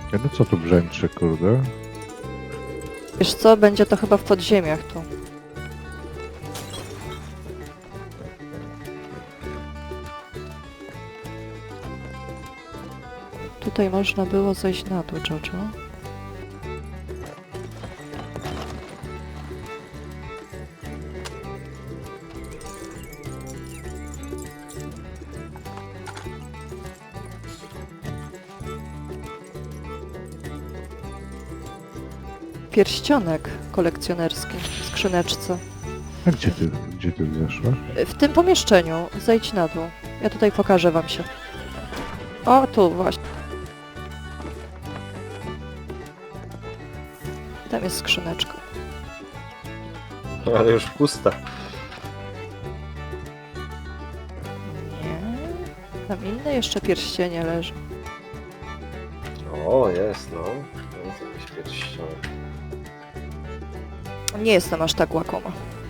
No co tu brzęczy, kurde? Wiesz co, będzie to chyba w podziemiach tu. Tutaj można było zejść na dół, Jojo. Pierścionek kolekcjonerski w skrzyneczce. A gdzie ty zeszłaś? W tym pomieszczeniu. Zejdź na dół. Ja tutaj pokażę wam się. O, tu właśnie. Tam jest skrzyneczka. Ale już pusta. Nie. Tam inne jeszcze pierścienie leży. O, jest, no. Jest jakiś pierścionek. Nie jestem aż tak łakoma.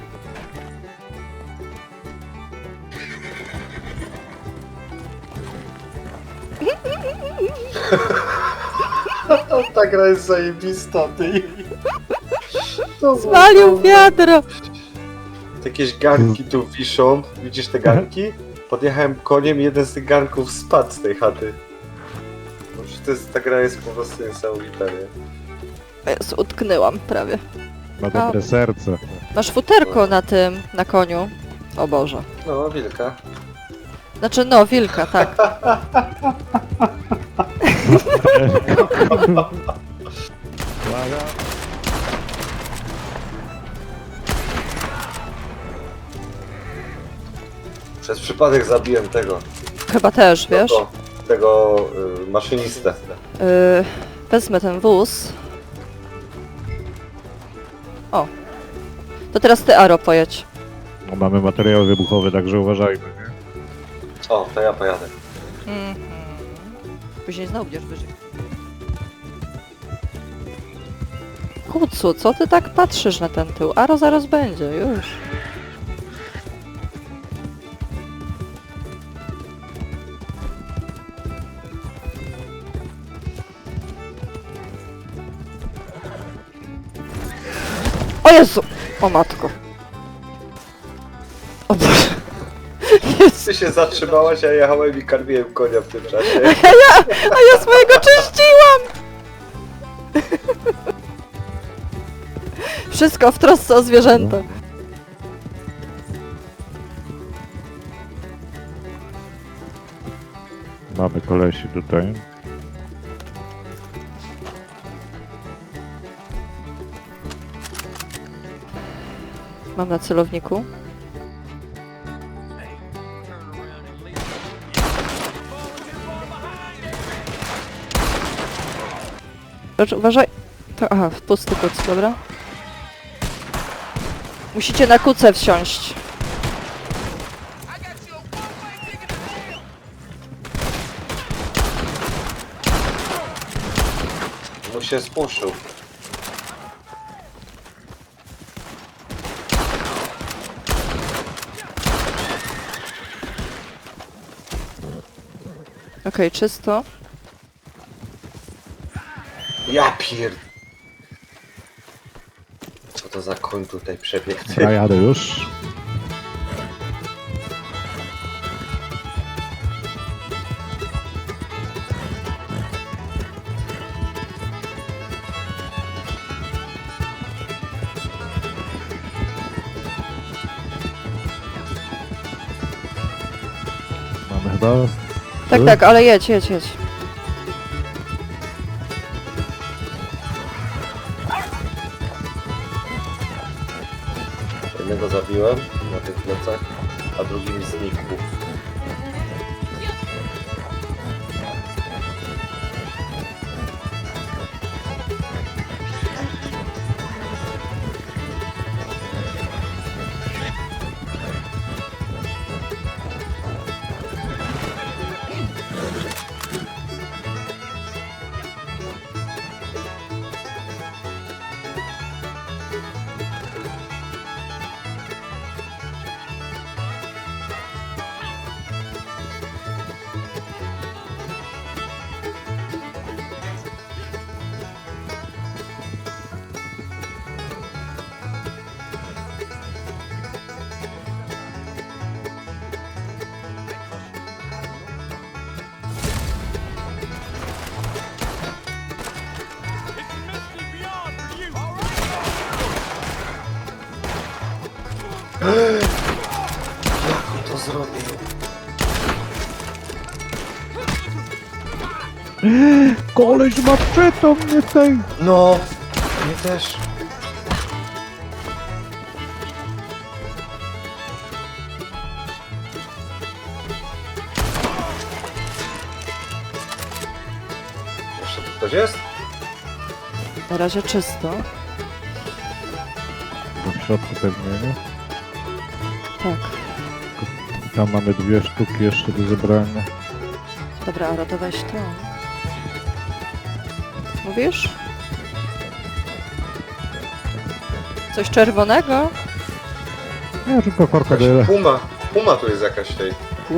Ta gra jest zajebista, ty. To Zwalił wiadro! Jakieś garnki tu wiszą. Widzisz te garnki? Podjechałem koniem i jeden z tych garnków spadł z tej chaty. Może ta gra jest po prostu niesamowita, nie? Jezu, utknęłam prawie. Ma dobre serce. Masz futerko na tym, na koniu. O Boże. No, wilka. Znaczy, no, wilka, tak. Uwaga. Przez przypadek zabiłem tego. Chyba też, wiesz? Tego maszynistę. Wezmę ten wóz. O. To teraz ty, Aro, pojedź. No, mamy materiały wybuchowe, także uważajmy, nie? O, to ja pojadę. Później znowu będziesz wyżej. Kucu, co ty tak patrzysz na ten tył? Aro zaraz będzie, już. O Jezu! O matko. O Boże. Jezu. Ty się zatrzymałaś, a jechałem i karmiłem konia w tym czasie. A ja swojego czyściłam! Wszystko w trosce o zwierzęta. Mamy kolesi tutaj. Mam na celowniku. Uważaj. To, aha, pusty kuc, dobra. Musicie na kucę wsiąść. Mu się spuszył. Okej, czysto. Ja pier... Co to za koń tutaj przebiegł? Ja jadę już. Mamy chyba... Tak, tak, ale jedź, jedź, jedź. Jednego zabiłem na tych plecach, a drugi mi znikł. robi? Koleś maczetą mnie tej! No! Mnie też. Jeszcze tu ktoś jest? Na razie czysto. W środku pewnie, nie? Tak. Tam mamy 2 sztuki jeszcze do zebrania. Dobra, Ara, to weź to. Mówisz? Coś czerwonego? Nie, tylko korka Jakaś daje. puma. Puma tu jest jakaś tej.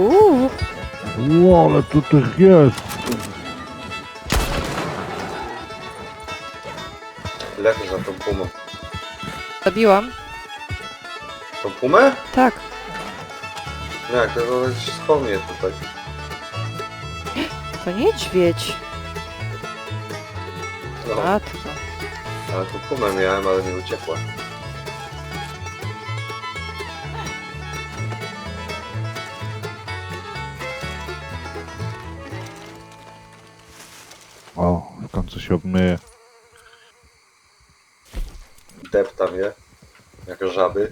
Ło, ale tu tych jest! Lepiej za tą pumą. Zabiłam? Tą pumę? Tak. No jak, to gdzieś wspomnieć tutaj. To niedźwiedź. No, Matko. ale tą pumę miałem, ale nie uciekła. O, w końcu się obmyje. Deptam je. Jak żaby.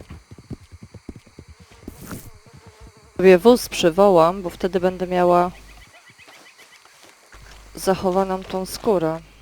Sobie wóz przywołam, bo wtedy będę miała zachowaną tą skórę.